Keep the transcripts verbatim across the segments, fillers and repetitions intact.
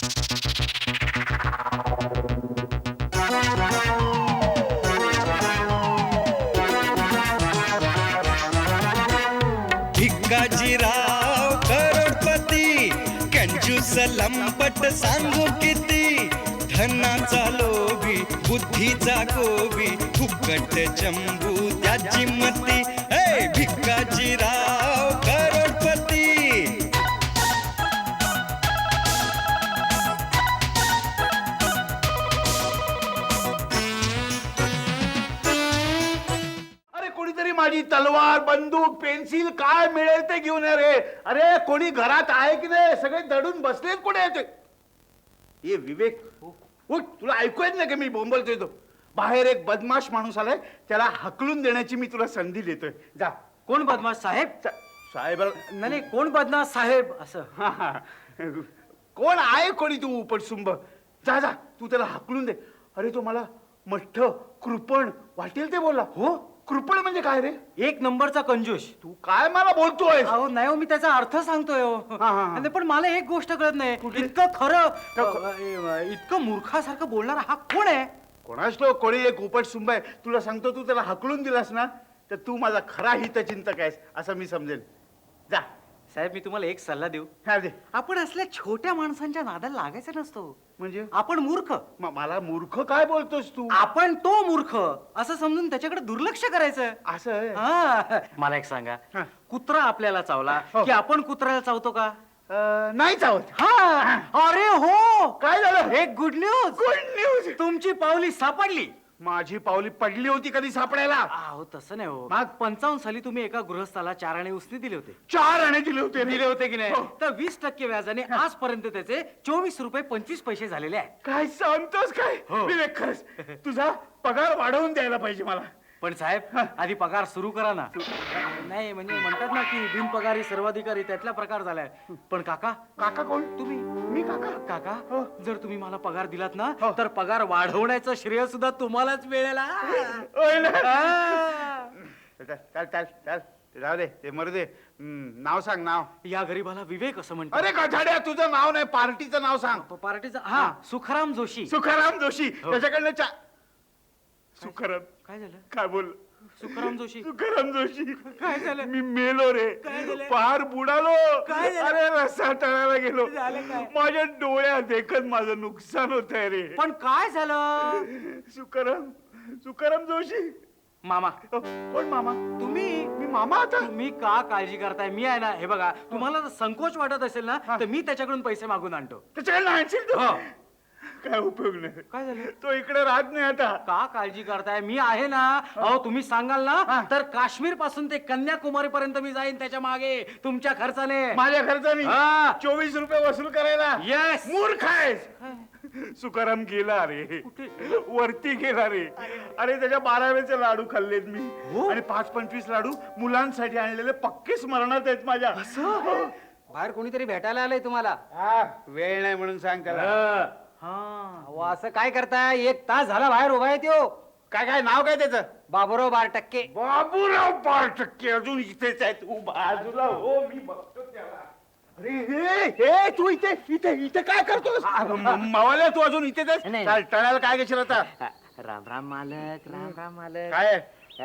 भिकाजीराव करोडपती, कंजूस लंपट सांगू किती, धनाचा लोभी बुद्धीचा गोबी, फुकट चंबू त्याची मती. ए भिकाजीराव करोडपती. कोणीतरी माझी तलवार बंदूक पेन्सिल काय मिळेल ते घेऊन ये रे. अरे कोणी घरात आहे की नाही? सगळे दडून बसलेत. कोणी आहे ते? ये विवेक, उठ. तुला ऐकू येत नाही का मी बोंबलतोय तो? बाहेर एक बदमाश माणूस आलाय, त्याला हकलून देण्याची मी तुला संधी देतोय. जा. कोण बदमाश साहेब? साहेब नाही कोण बदमाश साहेब असं? कोण आहे कोणी तू उपटसुंब? जा जा, तू त्याला हकलून दे. अरे तो मला मठ्ठ कृपण वाटेल ते बोलला. हो, कृपण म्हणजे काय रे? एक नंबरचा कंजूस. तू काय मला बोलतोय? अहो नाही हो, मी त्याचा अर्थ सांगतोय हो. आणि पण मला एक गोष्ट कळत नाही, इतकं खरं इतकं मूर्खासारखं बोलणारा हा कोण आहे? कोणाच तो कोणी एक उपटसुंब आहे. तुला सांगतो, तू त्याला हकलून दिलास ना तर तू माझा खरा हितचिंतक आहेस असं मी समजेल. जा. साहेब मी तुम्हाला एक सल्ला देऊ? हा दे. आपण असल्या छोट्या माणसांच्या नादाला लागायचं नसतो. म्हणजे आपण मूर्ख. म- मला मूर्ख काय बोलतोस तू? आपण तो मूर्ख असं समजून त्याच्याकडे दुर्लक्ष करायचं. असं आहे? हा. मला एक सांगा, हा. कुत्रा आपल्याला चावला हो. की आपण कुत्र्याला चावतो का? अं, नाही चावत. हा. अरे हो, काय झालं? एक गुड न्यूज. Good news. तुमची पावली सापडली. माझी पावली पडली होती कधी सापडायला? अहो तसं नाही हो. मग? पंचावन्न साली तुम्ही एका गृहस्थाला चार आणे उसने दिले होते. चार आणे दिले होते. दिले होते की नाही? हो. तर वीस टक्के व्याजाने आजपर्यंत त्याचे चोवीस रुपये पंचवीस पैसे झालेले आहे. काय सांगतोस काय? हो. विवेक, खरंच तुझा पगार वाढवून द्यायला पाहिजे मला. पण साहेब आधी पगार सुरू करा ना. नाही म्हणजे म्हणतात ना की बिनपगारी सर्वाधिकारी, त्यातला प्रकार झालाय. पण काका, काका कोण? तुम्ही मी काका? काका हो. जर तुम्ही मला पगार दिलात ना हो. तर पगार वाढवण्याचं श्रेय सुद्धा तुम्हालाच मिळेल. हा. होय ना? हा. चल चल चल जाऊ दे, ते मरू दे. हम्म, नाव सांग, नाव. या गरीबाला विवेक असं म्हणतात. अरे गधाड्या, तुझं नाव नाही, पार्टीचं नाव सांग. पार्टीचा हा सुखराम जोशी. सुखाराम जोशी. त्याच्याकडनं चा सुखाराम काय झालं? काय बोल? सुखराम जोशी. सुखाराम जोशी. काय झालं? मी मेलो रे. काय झालं? पार बुडालो. काय झालं? अरे रस्सा तळायला गेलो. झालं काय? माझ्या डोळ्यात देखत माझं नुकसान होत आहे रे. पण काय झालं? सुखाराम सुखाराम जोशी. मामा. अ, कोण मामा? तुम्ही मी मामा आता? तुम्ही का काळजी करताय? मी आहे ना. हे बघा, तुम्हाला जर संकोच वाटत असेल ना तर मी त्याच्याकडून पैसे मागून आणतो. त्याच्याकडे आणशील तू? हो. काय उपयोग नाही. काय झालं? तो इकडे राहत नाही आता. का काळजी करताय? मी आहे ना. अहो तुम्ही सांगाल ना तर काश्मीर पासून ते कन्याकुमारी पर्यंत मी जाईन त्याच्या मागे तुमच्या खर्चाने. माझ्या खर्चानी हा. चोवीस रुपये वसूल करायला? येस. मूर्ख आहेस. सुखाराम गेला रे. वरती गेला रे. अरे त्याच्या बारावेचे लाडू खाल्लेत मी. हो? आणि पाच पंचवीस लाडू मुलांसाठी आणलेले पक्के स्मरणात आहेत माझ्या. असं? बाहेर कोणीतरी भेटायला आलंय तुम्हाला? हा, वेळ नाही म्हणून सांग त्याला. हा. अहो, असं काय करताय? एक तास झाला बाहेर उभा आहे त्यो. काय काय नाव काय त्याचं? बाबूराव बार टक्के. बाबूराव बार टक्के अजून इथेच आहेत. तू बाजूला हो, मी बघतो त्याला. अरे हे हे तू इथे इथे इथे काय करतोस? मावाल्या, तू अजून इथेच आहेस? नाही. चाल, टळायला काय घेशील आता? राम राम मालक, राम राम मालक. काय? अ,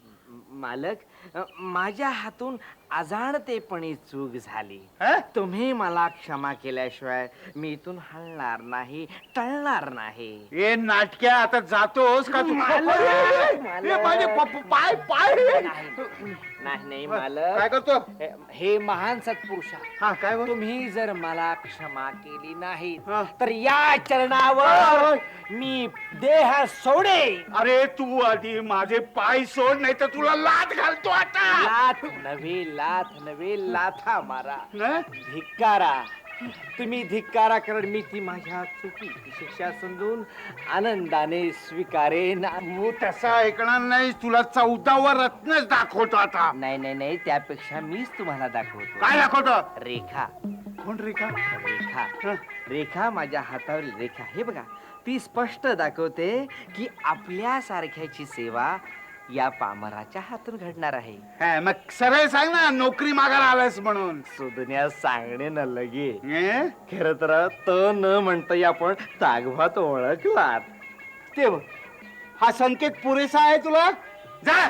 मालक, अ, माझ्या हातून अजाणतेपणी चूक झाली. हा? तुम्ही मला क्षमा केल्याशिवाय मी इथून हलणार नाही, टळणार नाही. ए नाटक्या, आता जातोस का तू? मालक, अरे, मालक. ए, माझे प- प- पाय पाय नाही नाही काय मालक. करतो? हे- हे महान सत्पुरुष हा, काय बोल? तुम्ही जर मला क्षमा केली नाही हा. तर या चरणावर मी देह सोडे. अरे तू आधी माझे पाय सोड, नाही तर तुला लात घालतो आता. लाथ नव्हे, लाथ नव्हे, लाथा मारा. नाही? धिक्कारा. तुम्ही धिक्कारा कारण मी ती माझ्या चुकीची शिक्षा समजून आनंदाने स्वीकारेन. तू तसा ऐकणार नाही. तुला चौदावा रत्नच दाखवतो आता. नाही नाही नाही, त्यापेक्षा मीच तुम्हाला दाखवतो. काय दाखवतो? रेखा. कोण रेखा? रेखा. हं. रेखा, माझ्या हातावरील रेखा. हे बघा, ती स्पष्ट दाखवते की आपल्या सारख्याची सेवा या पामराच्या हातून घडणार आहे. हा, मग सरळ सांग ना नोकरी मागायला आलास म्हणून. सुधन्या सांगणे न लगे. ए? खर तर त न म्हणता आपण तागभात ओळखलात. ते बघ, हा संकेत पुरेसा आहे तुला? जा.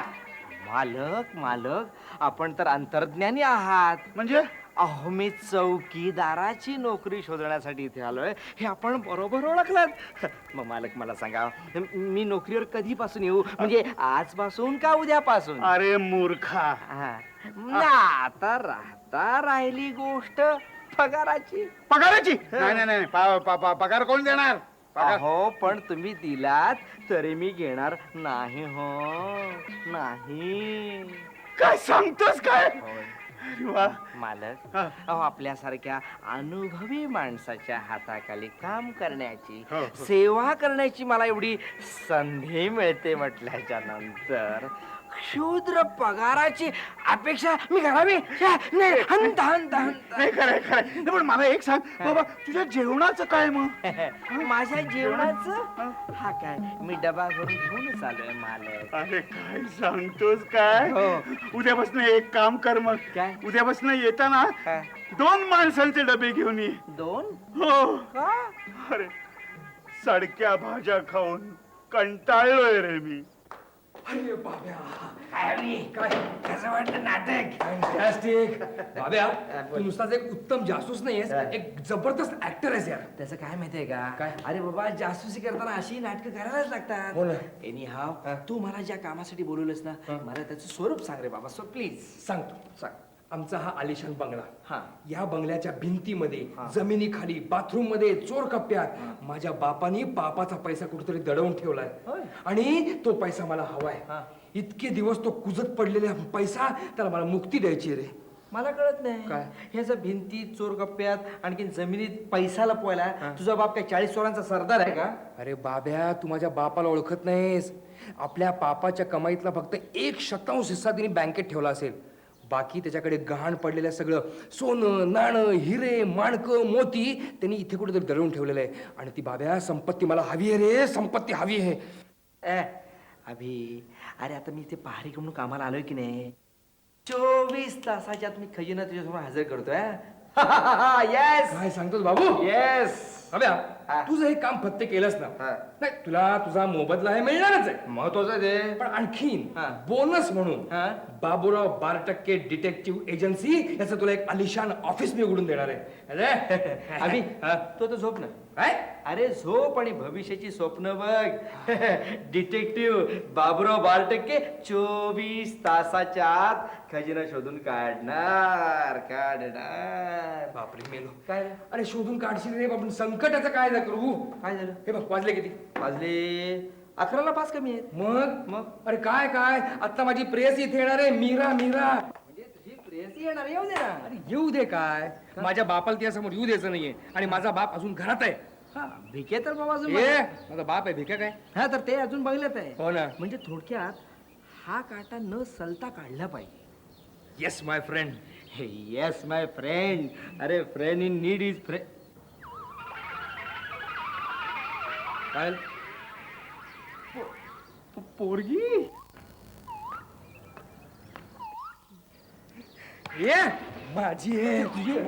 मालक मालक आपण तर अंतर्ज्ञानी आहात. म्हणजे अहो मी चौकीदाराची नोकरी शोधण्यासाठी इथे आलोय हे आपण बरोबर ओळखलात. मग मालक मला सांगा मी नोकरीवर कधीपासून येऊ म्हणजे आजपासून का उद्यापासून? अरे मूर्खा, हा. ना आता राहता राहिली गोष्ट पगाराची. पगाराची? नाही नाही नाही, पा- पा- पा- पगार कोण देणार? पगार हो पण तुम्ही दिलात तरी मी घेणार नाही हो नाही. काय सांगतोस काय? होय. अरे वा. मालक हा. अहो आपल्यासारख्या अनुभवी माणसाच्या हाताखाली काम करण्याची हो, हो. सेवा करण्याची मला एवढी संधी मिळते म्हटल्याच्या नंतर क्षुद्र पगाराची अपेक्षा मी करावी छे, नाही, हंत हंत हंत. नाही खरंय खरंय. नाही, पण मला एक सांग बाबा, तुझ्या जेवणाचं काय मग? माझ्या जेवणाचं हा काय मी डबा भरून घेऊनच आलोय मालक. अरे काय सांगतोस काय? हो. उद्यापासून एक काम कर मग. काय? उद्यापासून येताना हा. दोन माणसांचे डबे घेऊन ये. दोन हो. का? अरे सडक्या भाज्या खाऊन कंटाळलोय रे मी. अरे बाब्या, काय कसं वाटलं नाटक? फॅन्टॅस्टिक. बाब्या, तू नुसताच एक उत्तम जासूस नाहीयेस, एक जबरदस्त ऍक्टर आहेस यार. त्याचं काय माहितीये का? काय? अरे बाबा जासूसी करताना अशी नाटकं करायलाच हो लागतात. ना. एनी हाव तू मला ज्या कामासाठी बोलवलंस ना मला त्याचं स्वरूप सांग रे बाबा. सो प्लीज सांगतो. सांग. आमचा हा आलिशान बंगला. हा. या बंगल्याच्या भिंतीमध्ये, जमिनीखाली, बाथरूम मध्ये, चोर कप्प्यात माझ्या बापानी पापाचा पैसा कुठेतरी दडवून ठेवलाय होय. आणि तो पैसा मला हवाय. हा. इतके दिवस तो कुजत पडलेला पैसा त्याला मला मुक्ती द्यायची रे. मला कळत नाही काय? ह्याचं भिंतीत चोर कप्प्यात आणखी जमिनीत पैसा लपवायला तुझा बाप काय चाळीस चोरांचा सरदार आहे का? अरे बाब्या, तू माझ्या बापाला ओळखत नाहीस. आपल्या पापाच्या कमाईतला फक्त एक शतांश हिस्सा तिने बँकेत ठेवला असेल. बाकी त्याच्याकडे गहाण पडलेलं सगळं सोनं नाणं हिरे माणकं मोती त्यांनी इथे कुठेतरी दडवून ठेवलेलं आहे. आणि ती बाब्या संपत्ती मला हवी आहे रे, संपत्ती हवी आहे. ए अभि अरे आता मी इथे पहारी म्हणून कामाला आलोय की नाही चोवीस तासाच्यात मी खजिना तुझ्यासमोर हजर करतोय. येस काय सांगतोस बाबू? येस. बाब्या, हा. तुझं हे काम फत्ते केलंस ना, हा. नाही तुला तुझा मोबदला हे मिळणारच आहे. महत्वाचं ते पण आणखीन हा. बोनस म्हणून हा. बाबूराव बार टक्के डिटेक्टिव्ह एजन्सी याचं तुला एक आलिशान ऑफिस मी उघडून देणार आहे. अरे, अभि हा. तू तर झोप ना. काय? अरे झोप आणि भविष्याची स्वप्न बघ. डिटेक्टिव्ह बाबुराव बारटक्के चोवीस तासाच्या आत खजिना शोधून काढणार काढणार. बापरे मेलो. काय अरे शोधून काढशील रे बाबा, संकटाचं काय ना करू. काय झालं? हे बघ वाजले किती? वाजले अकराला पाच कमी आहेत. मग मग? अरे काय काय आता माझी प्रेयसी इथे येणार आहे, मीरा मीरा. म्हणजे तुझी प्रेयसी येणार येऊ दे ना. अरे येऊ दे काय, माझ्या बापाला तिच्यासमोर येऊ द्यायचं नाहीये. आणि माझा बाप अजून घरात आहे. हा भिके तर बाबा अजून ए माझा बाप आहे, भिका काय? हा तर ते अजून बघल्यात आहे. हो ना. म्हणजे थोडक्यात हा काटा न सलता काढला पाहिजे. Yes my friend. Yes my friend. अरे friend in need is friend. काय पोरगी ये माझी आहे तुझी.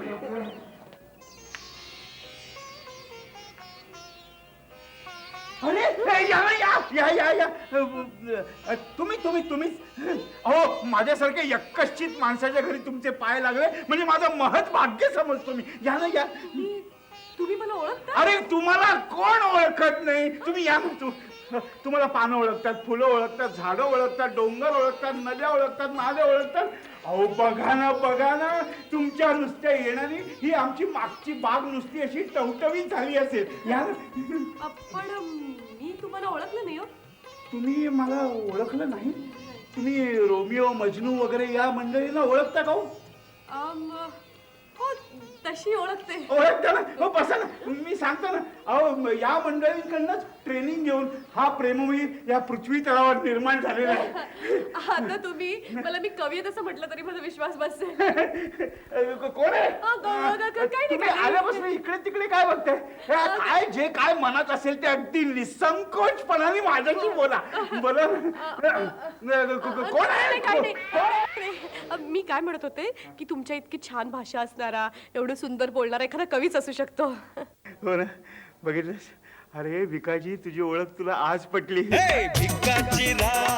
अरे ए, या या या या या अ, तुम्ही तुम्ही तुम्ही अहो माझ्यासारख्या यक्कश्चित माणसाच्या घरी तुमचे पाय लागले म्हणजे माझं महत् भाग्य समजतो मी. या ना या. तुम्ही मला ओळखता? अरे तुम्हाला कोण ओळखत नाही? तुम्ही या ना. तू तुम्हाला पानं ओळखतात, फुलं ओळखतात, झाडं ओळखतात, डोंगर ओळखतात, नद्या ओळखतात, नाले ओळखतात. अहो बघा ना बघा ना, तुमच्या नुसत्या येणारी ही आमची मागची बाग नुसती अशी टवटवीत झाली असेल. या ना. अ, पण मी तुम्हाला ओळखलं नाही हो. तुम्ही मला ओळखलं नाही? तुम्ही रोमिओ मजनू वगैरे या मंडळींना ओळखता का हो? अम, हो तशी ओळखते. ओळखता ना? हो बसा ना, मी सांगतो ना. अहो या मंडळींकडनंच ट्रेनिंग घेऊन हा प्रेमवीर या पृथ्वी तळावर निर्माण झालेला आहे. आता तुम्ही मला मी कवी आहे तसं म्हटलं तरी माझा विश्वास बसेल. अ, कोण आहे अ, ग- ग- ग- काही नाही, तुम्ही काही नाही. आल्यापासून इकडे तिकडे काय बघताय? हे काय जे काय मनात असेल ते अगदी निसंकोचपणाने माझ्याशी बोला. बोला. कोण नाही, काही नाही, आहे? नाही. अ, मी काय म्हणत होते की तुमच्या इतकी छान भाषा असणारा एवढं सुंदर बोलणारा एखादा कवीच असू शकतो. हो ना, बघितलंस? अरे भिकाजी, तुझी ओळख तुला आज पटली. हे भिकाजी राव